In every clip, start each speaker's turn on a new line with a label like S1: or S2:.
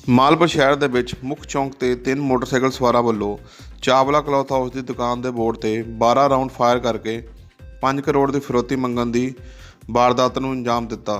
S1: ਮਾਲਪੁਰ ਸ਼ਹਿਰ ਦੇ ਵਿੱਚ ਮੁੱਖ ਚੌਂਕ ਤੇ 3 ਮੋਟਰਸਾਈਕਲ ਸਵਾਰਾਂ ਵੱਲੋਂ ਚਾਵਲਾ ਕਲੌਥ ਹਾਊਸ ਦੀ ਦੁਕਾਨ ਦੇ ਬੋਰਡ ਤੇ 12 ਰਾਊਂਡ ਫਾਇਰ ਕਰਕੇ 5 ਕਰੋੜ ਦੀ ਫਿਰੌਤੀ ਮੰਗਣ ਦੀ ਵਾਰਦਾਤ ਨੂੰ ਅੰਜਾਮ ਦਿੱਤਾ।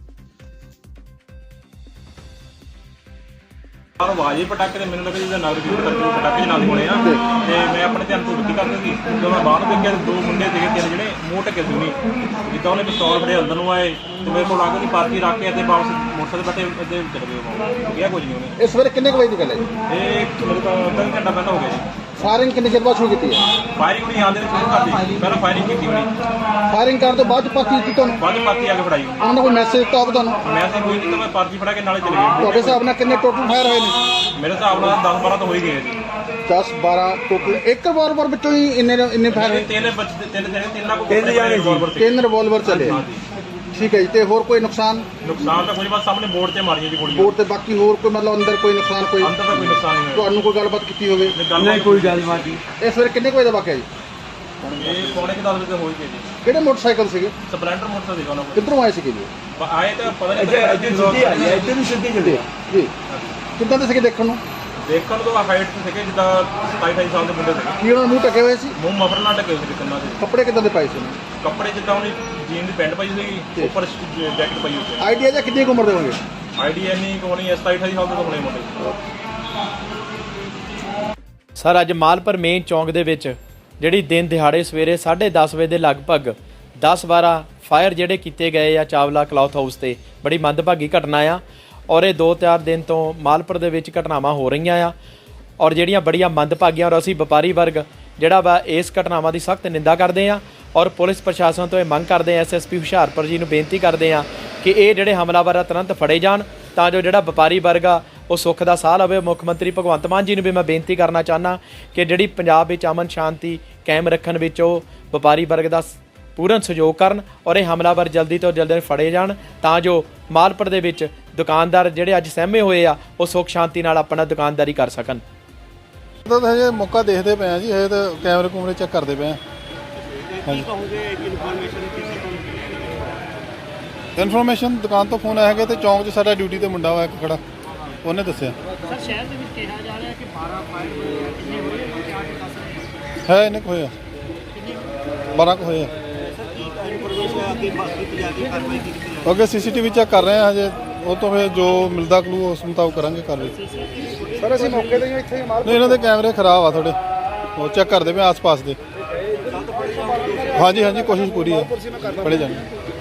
S2: आवाज ही पटाखे तो मैंने लगा जिदा नगर कीर्तन करके पटाखे चलाने होने तो मैं अपने ध्यान तो रुकी करनी थी जो मैं बाहर देखा दो मुंडे थे तीन जे मूँह ढके सी जिदा उन्हें पिस्तौल फड़े अंदर आए तो मेरे को आगे की पार्टी रख के वापस मोटरसाइकिल बैठे इतने चले गए क्या कुछ नहीं उन्हें।
S3: इस वेले कितने बजे निकले
S2: ये मेरे को अद्धा घंटा पहले हो गया जी।
S3: फायरिंग कितने देर बाद शुरू की है?
S2: फायरिंग भी यहाँ शुरू कर दी पहले फायरिंग की
S3: फायरिंग करने तो बाद पार्टी दी तुहानू
S2: बाद पार्टी आगे फड़ाई
S3: उन्होंने कोई मैसेज तो आप तुहानू
S2: मैसेज कोई नहीं तो मैं पार्टी फड़ा के नाले चले गए।
S3: ਤੁਹਾਡੇ ਹਿਸਾਬ ਨਾਲ ਕਿੰਨੇ ਟੋਟਲ ਫਾਇਰ ਹੋਏ ਨੇ?
S2: मेरे हिसाब से 10-12 तो हो ही गए जी।
S3: 10-12 ਟੋਟਲ ਇੱਕ ਰਿਵਾਲਵਰ ਵਿੱਚੋਂ ਹੀ ਇੰਨੇ ਫਾਇਰ ਹੋਏ? ਤਿੰਨ ਰਿਵਾਲਵਰ ਚੱਲੇ। ਠੀਕ ਹੈ ਜੀ। ਤੇ ਹੋਰ ਕੋਈ ਨੁਕਸਾਨ
S2: ਤਾਂ ਕੋਈ ਬਸ ਸਾਹਮਣੇ ਬੋਰਡ ਤੇ ਮਾਰੀਆਂ ਜੀ ਗੋਲੀਆਂ।
S3: ਬੋਰਡ ਤੇ ਬਾਕੀ ਹੋਰ ਕੋਈ ਮਤਲਬ ਅੰਦਰ ਕੋਈ ਨੁਕਸਾਨ ਕੋਈ
S2: ਅੰਦਰ ਤਾਂ ਕੋਈ ਨੁਕਸਾਨ ਨਹੀਂ ਹੋਇਆ।
S3: ਤੁਹਾਨੂੰ ਕੋਈ ਗੱਲਬਾਤ ਕੀਤੀ ਹੋਵੇ?
S2: ਨਹੀਂ ਕੋਈ ਗੱਲਬਾਤ ਨਹੀਂ।
S3: ਇਸ ਵੇਲੇ ਕਿੰਨੇ ਵਜੇ ਦਾ ਵਾਕਿਆ ਜੀ?
S2: ਇਹ ਪੌਣੇ 10 ਵਜੇ ਹੋ ਹੀ ਗਏ ਜੀ।
S3: ਕਿਹੜੇ ਮੋਟਰਸਾਈਕਲ ਸੀਗੇ?
S2: ਸਪਲੈਂਡਰ ਮੋਟਰਸਾਈਕਲ ਸੀਗਾ ਉਹਨਾਂ ਕੋਲ।
S3: ਕਿੱਧਰੋਂ ਆਏ ਸੀਗੇ ਜੀ?
S2: ਆਏ ਤਾਂ ਪਤਾ ਨਹੀਂ ਇੱਥੇ ਸਿੱਧੀ ਆਈ ਹੈ ਇੱਥੇ ਨੂੰ ਸਿੱਧੀ ਚੱਲੇ
S3: ਜੀ। ਕਿੱਦਾਂ ਦੇ ਸੀਗੇ ਦੇਖਣ ਨੂੰ?
S2: ਦੇਖਣ ਨੂੰ ਤਾਂ ਹਾਈਟ ਤੇ ਸੀਗੇ ਜਿੱਦਾਂ 27-28 ਸਾਲ ਦੇ ਮੁੰਡੇ ਸੀਗੇ।
S3: ਕੀ ਉਹਨਾਂ ਨੂੰ ਮੂੰਹ ਢਕੇ ਹੋਏ ਸੀ?
S2: ਮੂੰਹ ਮਫਰ ਨਾਲ ਢਕੇ ਹੋਏ ਸੀ ਕੰਨਾਂ ਦੇ।
S3: ਕੱਪੜੇ ਕਿੱਦਾਂ ਦੇ ਪਾਏ ਸੀ?
S2: ਕੱਪੜੇ ਜਿੱਦਾਂ ਉਹਨੇ ਜੀਨ ਦੀ ਪੈਂਟ ਪਾਈ ਸੀਗੀ ਉੱਪਰ ਜੈਕਟ ਪਾਈ ਹੋਈ ਸੀ।
S3: ਆਈਡੀਆ ਜਾਂ ਕਿੰਨੀ ਉਮਰ ਦੇ ਹੋਣਗੇ?
S2: ਆਈਡੀਆ ਨਹੀਂ ਕੋਣੀ 27-28 ਸਾਲ ਦੇ ਤਾਂ ਹੋਣੇ ਮੁੰਡੇ।
S4: ਸਰ ਅੱਜ ਮਾਲਪੁਰ ਮੇਨ ਚੌਂਕ ਦੇ ਵਿੱਚ ਜਿਹੜੀ ਦਿਨ ਦਿਹਾੜੇ ਸਵੇਰੇ 10:30 ਵਜੇ ਦੇ ਲਗਭਗ 10-12 ਫਾਇਰ ਜਿਹੜੇ ਕੀਤੇ ਗਏ ਆ ਚਾਵਲਾ ਕਲੌਥ ਹਾਊਸ ਤੇ ਬੜੀ ਮੰਦਭਾਗੀ ਘਟਨਾ ਆ ਔਰ ਇਹ 2-4 ਦਿਨ ਤੋਂ ਮਾਲਪੁਰ ਦੇ ਵਿੱਚ ਘਟਨਾਵਾਂ ਹੋ ਰਹੀਆਂ ਆ ਔਰ ਜਿਹੜੀਆਂ ਬੜੀਆਂ ਮੰਦਭਾਗੀਆਂ ਔਰ ਅਸੀਂ ਵਪਾਰੀ ਵਰਗ ਜਿਹੜਾ ਵਾ ਇਸ ਘਟਨਾਵਾਂ ਦੀ ਸਖਤ ਨਿੰਦਾ ਕਰਦੇ ਆ ਔਰ ਪੁਲਿਸ ਪ੍ਰਸ਼ਾਸਨ ਤੋਂ ਇਹ ਮੰਗ ਕਰਦੇ ਆ ਐਸਐਸਪੀ ਹੁਸ਼ਿਆਰਪੁਰ ਜੀ ਨੂੰ ਬੇਨਤੀ ਕਰਦੇ ਆ ਕਿ ਇਹ ਜਿਹੜੇ ਹਮਲਾਵਰ ਆ ਤੁਰੰਤ ਫੜੇ ਜਾਣ ਤਾਂ ਜੋ ਜਿਹੜਾ ਵਪਾਰੀ ਵਰਗ ਆ ਉਹ ਸੁੱਖ ਦਾ ਸਾਹ ਲਵੇ। ਮੁੱਖ ਮੰਤਰੀ ਭਗਵੰਤ ਮਾਨ ਜੀ ਨੂੰ ਵੀ ਮੈਂ ਬੇਨਤੀ ਕਰਨਾ ਚਾਹੁੰਦਾ ਕਿ ਜਿਹੜੀ ਪੰਜਾਬ ਵਿੱਚ ਅਮਨ ਸ਼ਾਂਤੀ ਕਾਇਮ ਰੱਖਣ ਵਿੱਚ ਉਹ ਵਪਾਰੀ ਵਰਗ ਦਾ ਪੂਰਨ ਸਹਿਯੋਗ ਕਰਨ ਔਰ ਇਹ ਹਮਲਾਵਰ ਜਲਦੀ ਤੋਂ ਜਲਦੀ ਫੜੇ ਜਾਣ ਤਾਂ ਜੋ ਮਾਲਪੁਰ ਦੇ ਵਿੱਚ ਦੁਕਾਨਦਾਰ ਜਿਹੜੇ ਅੱਜ ਸਹਿਮੇ ਹੋਏ ਆ ਉਹ ਸੁੱਖ ਸ਼ਾਂਤੀ ਨਾਲ ਆਪਣਾ ਦੁਕਾਨਦਾਰੀ ਕਰ ਸਕਣ।
S5: ਤਾਂ ਹਜੇ ਮੌਕਾ ਦੇਖਦੇ ਪਏ ਆ ਜੀ, ਹਜੇ ਤਾਂ ਕੈਮਰੇ ਕੁਮਰੇ ਚੈੱਕ ਕਰਦੇ ਪਏ ਆ। ਇਨਫੋਰਮੇਸ਼ਨ ਦੁਕਾਨ ਤੋਂ ਫੋਨ ਆਇਆ ਹੈਗਾ ਤੇ ਚੌਂਕ 'ਚ ਸਾਡਾ ਡਿਊਟੀ ਤੇ ਮੁੰਡਾ ਹੋਇਆ ਇੱਕ ਖੜਾ, ਉਹਨੇ ਦੱਸਿਆ।
S6: ਸਰ ਸ਼ਹਿਰ ਦੇ ਵਿੱਚ ਕਿਹਾ ਜਾ ਰਿਹਾ ਕਿ 12 ਫਾਇਰ ਹੋਏ ਆ, ਕਿੰਨੇ ਹੋਏ ਆ ਕਿ ਆਗੇ ਦੱਸ ਰਹੇ
S5: ਹੈ ਇਹਨੇ ਕੁ ਹੋਇਆ 12 ਕੁ ਹੋਏ ਆ। ਅੱਗੇ ਸੀਸੀਟੀਵੀ ਚੈੱਕ ਕਰ ਰਹੇ ਆ ਹਜੇ, ਉਹ ਤੋਂ ਫਿਰ ਜੋ ਮਿਲਦਾ ਕਲੂ ਉਸ ਮੁਤਾਬਕ ਕਰਾਂਗੇ ਕਾਰਵਾਈ।
S3: ਸਰ ਅਸੀਂ ਮੌਕੇ ਤੇ ਇੱਥੇ ਹੀ
S5: ਨਹੀਂ ਇਹਨਾਂ ਦੇ ਕੈਮਰੇ ਖਰਾਬ ਆ ਥੋੜੇ, ਉਹ ਚੈੱਕ ਕਰਦੇ ਪਏ ਆਸ-ਪਾਸ ਦੇ। ਹਾਂਜੀ ਕੋਸ਼ਿਸ਼ ਪੂਰੀ ਹੈ, ਫੜੇ ਜਾਣਗੇ।